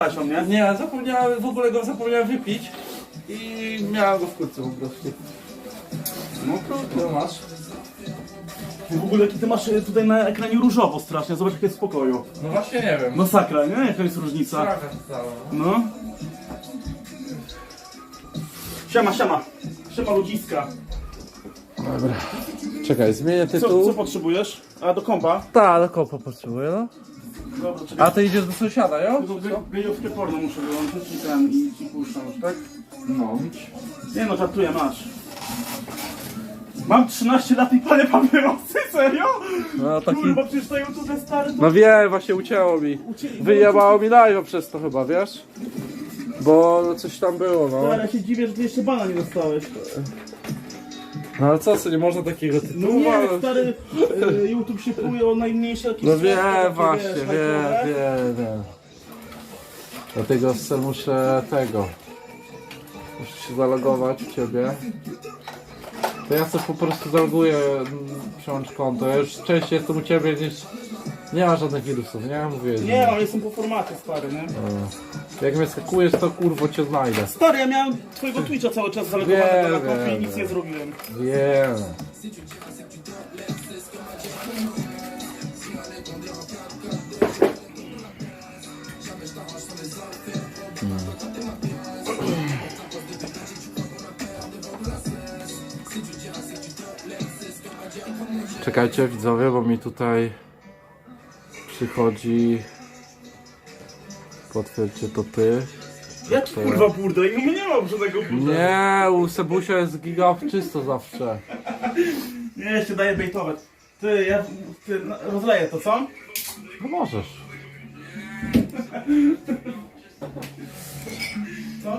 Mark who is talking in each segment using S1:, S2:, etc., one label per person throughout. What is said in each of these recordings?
S1: Nie? Nie, zapomniałem, w ogóle go zapomniałem wypić i miałem go w kurce po prostu.
S2: No to masz. W ogóle jaki ty masz tutaj na ekranie różowo strasznie, zobacz jak jest w pokoju.
S1: No właśnie nie wiem.
S2: Masakra, nie? Jaka jest różnica?
S1: Straka stała.
S2: No. Siema, siema. Siema ludziska.
S3: Dobra. Czekaj, zmienię
S2: Co
S3: tytuł.
S2: potrzebujesz? A do kompa?
S3: Tak, do kopa potrzebuję, no.
S2: Dobra, czekaj.
S3: A ty idziesz do sąsiada, jo?
S2: Gejowskie porno muszę wyłączyć i puszczam już, tak?
S3: No.
S2: Nie no, żartuję, masz. Mam 13 lat i palę papierosy, serio?
S3: No taki...
S2: Kurwa, przecież to YouTube stary to...
S3: No wiem, właśnie ucięło mi. Wyjebało mi live'a przez to chyba, wiesz? Bo coś tam było, no.
S2: Ale ja się dziwię, że ty jeszcze bana nie dostałeś.
S3: No ale co, nie można takiego
S2: No
S3: tytułu?
S2: nie,
S3: ale-
S2: stary, YouTube się pluje o najmniejsze jakieś...
S3: No
S2: słówka,
S3: wiem,
S2: takie,
S3: właśnie,
S2: wiesz,
S3: wiem,
S2: hajtowe.
S3: wiem. Dlatego muszę tego. Muszę się zalogować u ciebie. To ja sobie po prostu zaloguję, przełącz konto. Ja już częściej jestem u ciebie niż... Nie ma żadnych wirusów, nie? Mówię.
S2: Nie, ale jestem po formacie, stary, nie?
S3: Jak mnie skakujesz, to kurwo cię znajdę.
S2: Stary, ja miałem twojego Twitcha cały czas zalogowanego na kompie i
S3: wiem,
S2: nic nie zrobiłem.
S3: Wiem. Czekajcie widzowie, bo mi tutaj przychodzi. Potwierdźcie to ty.
S2: Jak kurwa burda? I nie ma żadnego burda.
S3: Nie, u Sebusia jest giga czysto zawsze.
S2: Nie, jeszcze daję bejtować. Ty, rozleję to, co?
S3: No możesz.
S2: Co?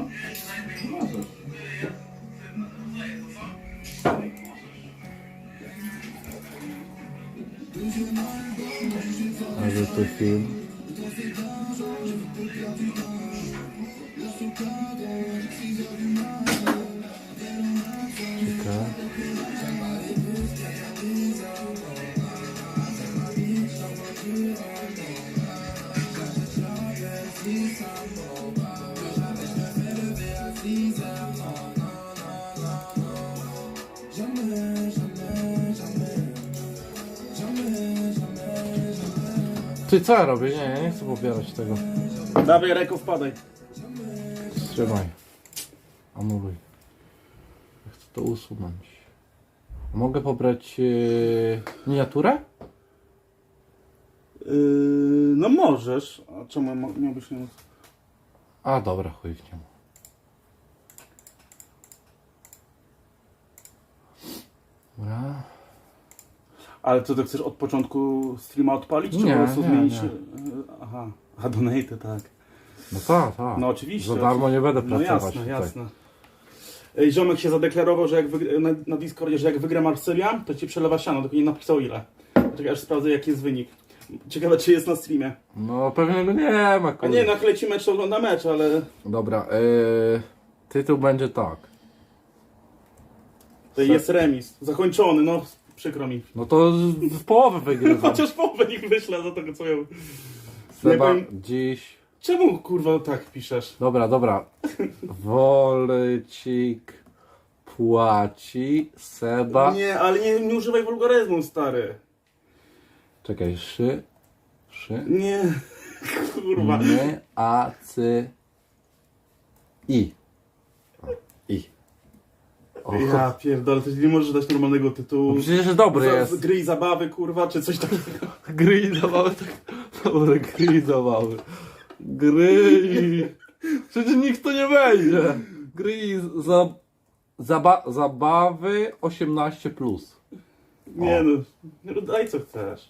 S3: Ale to film. Czekaj. Ty co ja robię? Nie chcę pobierać tego.
S2: Dawaj, Reko, wpadaj.
S3: Wstrzymaj. Anuluj. Ja chcę to usunąć. Mogę pobrać miniaturę?
S2: No możesz. A czemu miałbyś nie móc?
S3: A dobra, chuj w niemu. Dobra.
S2: Ale co, ty chcesz od początku streama odpalić? Czy
S3: Nie,
S2: po prostu
S3: nie,
S2: zmienić?
S3: nie.
S2: Aha, a donate, tak.
S3: No tak, tak.
S2: No oczywiście.
S3: Za darmo nie będę
S2: No
S3: pracować
S2: jasne,
S3: tutaj.
S2: jasne. Ej, ziomek się zadeklarował, że jak na Discordzie, że jak wygra Marsylia, to ci przelewa siano, tylko nie napisał ile. Czekaj, aż sprawdzę jaki jest wynik. Ciekawe czy jest na streamie.
S3: No pewnie go nie ma,
S2: A
S3: kurde.
S2: nie, jak leci mecz, to ogląda mecz, ale
S3: Dobra, tytuł będzie tak.
S2: to jest remis. Zakończony, no przykro mi.
S3: No to w połowę wygryzam.
S2: Chociaż połowę niech wyślę za tego co miał.
S3: Seba,
S2: nie wiem.
S3: dziś...
S2: Czemu kurwa tak piszesz?
S3: Dobra, dobra. Wolcik płaci, Seba...
S2: Nie, ale nie używaj wulgaryzmu, stary.
S3: Czekaj, szy...
S2: Nie, kurwa.
S3: My, a, cy... I. I. O,
S2: Ja pierdolę, ty nie możesz dać normalnego tytułu.
S3: no przecież dobry jest.
S2: Gry i zabawy, kurwa, czy coś takiego.
S3: Gry i zabawy, tak. Dobre, gry i zabawy. Gry i... Przecież nikt to nie będzie. Gry i zabawy 18+.
S2: Nie no, daj co chcesz.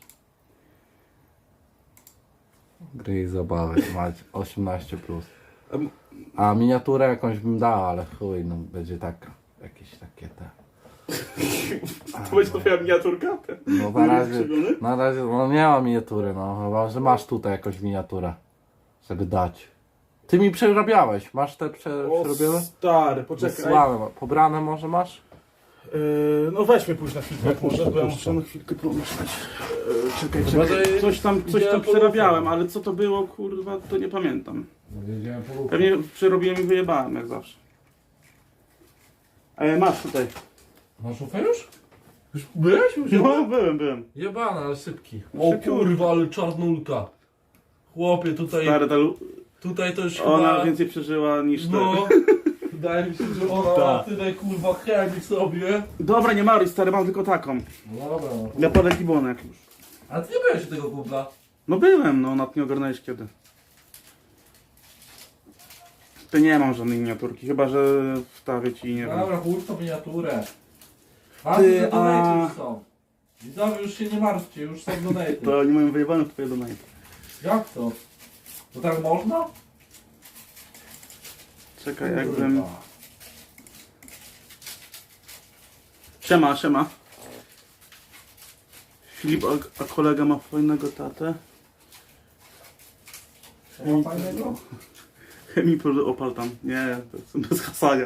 S3: Gry i zabawy mać 18+. A miniaturę jakąś bym dał, ale chuj, no będzie tak, jakieś takie te...
S2: To będzie twoja miniaturka?
S3: No na razie, no nie ma miniatury, no chyba, że masz tutaj jakąś miniaturę, żeby dać. Ty mi przerabiałeś, masz te przerobione?
S2: Stary, poczekaj.
S3: Wysłałem, pobrane może masz?
S2: No weźmy pójść na chwilkę, jak może, bo ja muszę na chwilkę pomyśleć. Czekaj,
S3: Chyba, że
S2: coś tam
S3: widziałem
S2: przerabiałem, ale co to było, kurwa, to nie pamiętam.
S3: Jedziemy po lufę.
S2: Pewnie przerobiłem i wyjebałem, jak zawsze. Masz tutaj.
S3: Masz lufę już? Już byłeś? Już
S2: No, byłem.
S3: Jebana, ale sypki. O
S2: Szybki.
S3: kurwa, ale czarnulka. Chłopie, tutaj to już
S2: ona
S3: chyba...
S2: więcej przeżyła niż ty.
S3: No, wydaje mi się, że ona ma
S2: Tak.
S3: tyle kurwa chemii sobie.
S2: Dobra, nie maruj, stary, mam tylko taką.
S3: No dobra, no.
S2: Dla parę gibonek już.
S3: Ale ty nie byłeś tego kubla?
S2: No byłem, no, nad nie ogarnąłeś kiedy. To nie mam żadnej miniaturki, chyba że wstawię ci, nie wiem.
S3: Dobra, chuj w tą miniaturę.
S2: Ty,
S3: Ty,
S2: a-
S3: donaty już są. Widzowie, już się nie martwcie, już są donaty.
S2: To oni mają wyjebane w twoje domainy.
S3: Jak to? To tak można?
S2: Czekaj, jakbym...
S3: Kurwa.
S2: Siema. Filip, a kolega ma fajnego tatę.
S3: To ma fajnego?
S2: Chemii opal tam. Nie, to jest bez hasania.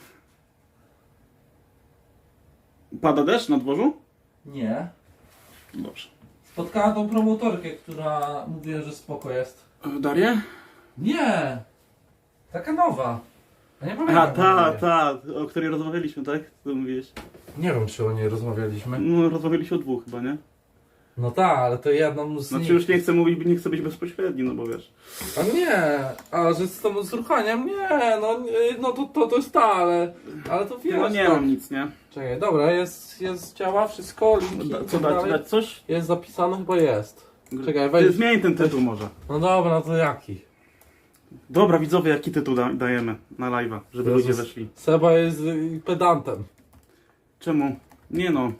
S2: Pada deszcz na dworzu?
S3: Nie.
S2: Dobrze.
S3: Spotkałem tą promotorkę, która mówiła, że spoko jest.
S2: Darię?
S3: Nie! Taka nowa. Ja nie
S2: A,
S3: pamiętam.
S2: ta, o której rozmawialiśmy, tak? Co mówiłeś?
S3: Nie wiem, czy o niej rozmawialiśmy.
S2: No, rozmawialiśmy o dwóch chyba, nie?
S3: No tak, ale to jedną z
S2: Znaczy
S3: nich.
S2: już nie chcę mówić, nie chcę być bezpośredni, no bo wiesz.
S3: A nie, a że z tą zruchaniem, nie, no to jest ta, ale to wiesz.
S2: No nie
S3: tak.
S2: mam nic, nie?
S3: Czekaj, dobra, jest, działa wszystko, linki i
S2: Co
S3: tak
S2: dać?
S3: dalej.
S2: Dać coś?
S3: Jest zapisane, chyba jest. Czekaj,
S2: Ty
S3: wejdź.
S2: zmień ten tytuł może.
S3: No dobra, no to jaki?
S2: Dobra, widzowie, jaki tytuł dajemy na live'a, żeby
S3: Jezus.
S2: ludzie weszli?
S3: Seba jest pedantem.
S2: Czemu? Nie no.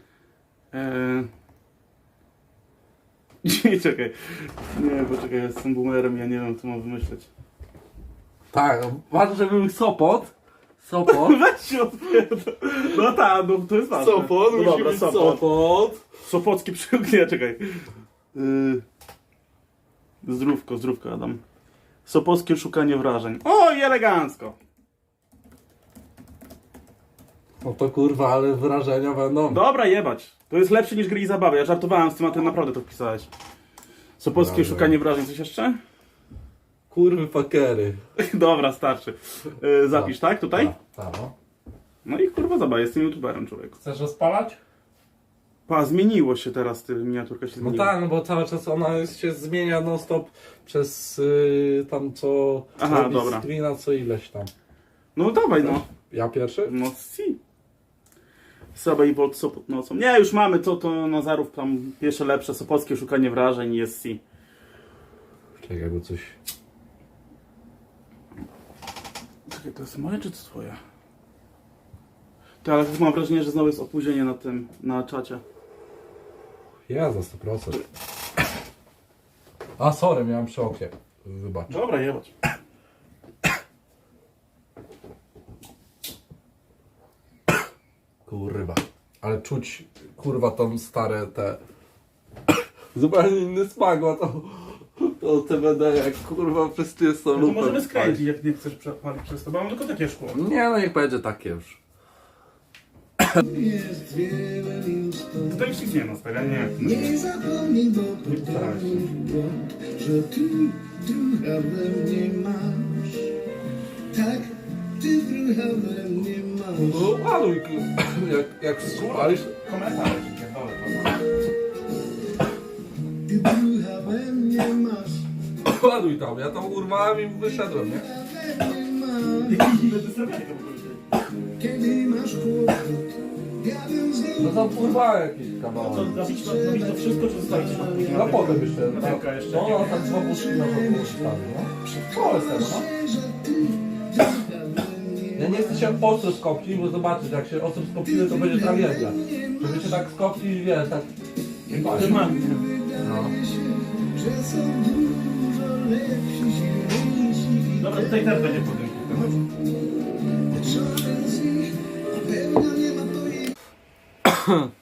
S2: Nie, czekaj. Nie, bo czekaj, ja jestem boomerem, ja nie wiem co mam wymyśleć.
S3: Tak, ważne, żeby był Sopot.
S2: Weź się odpierdol. No tak, no to jest ważne.
S3: Sopot,
S2: No
S3: musi
S2: dobra,
S3: być
S2: Sopot.
S3: Sopot.
S2: Sopocki przykład, nie, czekaj. Zdrówko, Adam. Sopockie szukanie wrażeń. O, i elegancko.
S3: No to kurwa, ale wrażenia będą.
S2: Dobra, jebać. To jest lepsze niż gry i zabawy. Ja żartowałem z tym, a ty naprawdę to wpisałeś. Sopockie
S3: Dobra.
S2: szukanie wrażeń. Coś jeszcze?
S3: Kurwy fakery.
S2: Dobra, starczy. Zapisz, tak? Tutaj?
S3: Tak, no.
S2: No i kurwa zabawa, jestem youtuberem, człowieku.
S3: Chcesz rozpalać?
S2: Pa, zmieniło się teraz, miniaturka się
S3: No
S2: zmieniła.
S3: tak, no bo cały czas ona się zmienia non stop przez tam co
S2: Aha,
S3: robi
S2: dobra.
S3: screena co ileś tam.
S2: No dawaj, no.
S3: Ja pierwszy?
S2: No si. Saba i Bolt Sopot nocą. Nie, już mamy to Nazarów tam pierwsze lepsze, Sopockie szukanie wrażeń i jest si.
S3: Czekaj, bo coś...
S2: Czekaj, to jest moje czy to twoje? To, ale mam wrażenie, że znowu jest opóźnienie na tym, na czacie.
S3: Ja za 100%. A, sorry, miałem przy okie. Wybacz.
S2: Dobra, jebać.
S3: Kurwa. Ale czuć, kurwa, tam stare te... Zupełnie inny smak ma to CBD, jak kurwa przez ty jest to
S2: No to możemy skręcić, jak nie chcesz przepalić przez to, bo mam tylko takie szkło.
S3: Nie, no niech będzie takie już.
S2: Tutaj już nic nie ma, stary, nie.
S4: Nie zapomnij, bo potrafisz, że ty druha we mnie masz. Tak, ty druha we mnie masz.
S3: No ładuj, jak słuchalisz.
S2: Komentarze, pierdolę to.
S4: Ty druha we mnie masz.
S3: Ładuj tam, ja tam urwałem i wyszedłem, nie?
S4: We mnie masz. Kiedy masz kłopot, ja bym
S3: No
S4: znał.
S3: tam urwałem jakiś kawałek.
S2: Zabić to wszystko, czy zostawić to później?
S3: No potem jeszcze.
S2: Na wielka jeszcze.
S3: No, no tak z babuszki na boku stawię, no. O, jest tego, no.
S4: Że ty druha we mnie
S3: Ja nie chcę się ostro skopcić, bo zobaczysz, jak się ostro skopimy, to będzie tragedia. Żeby się tak skopcić, wiesz, tak...
S2: Ty mam.
S3: No.
S4: że są dużo lepsi, silniejsi.
S2: Dobra, tutaj też będzie budynku.
S4: Żaden z nich na pewno nie ma pojęcia.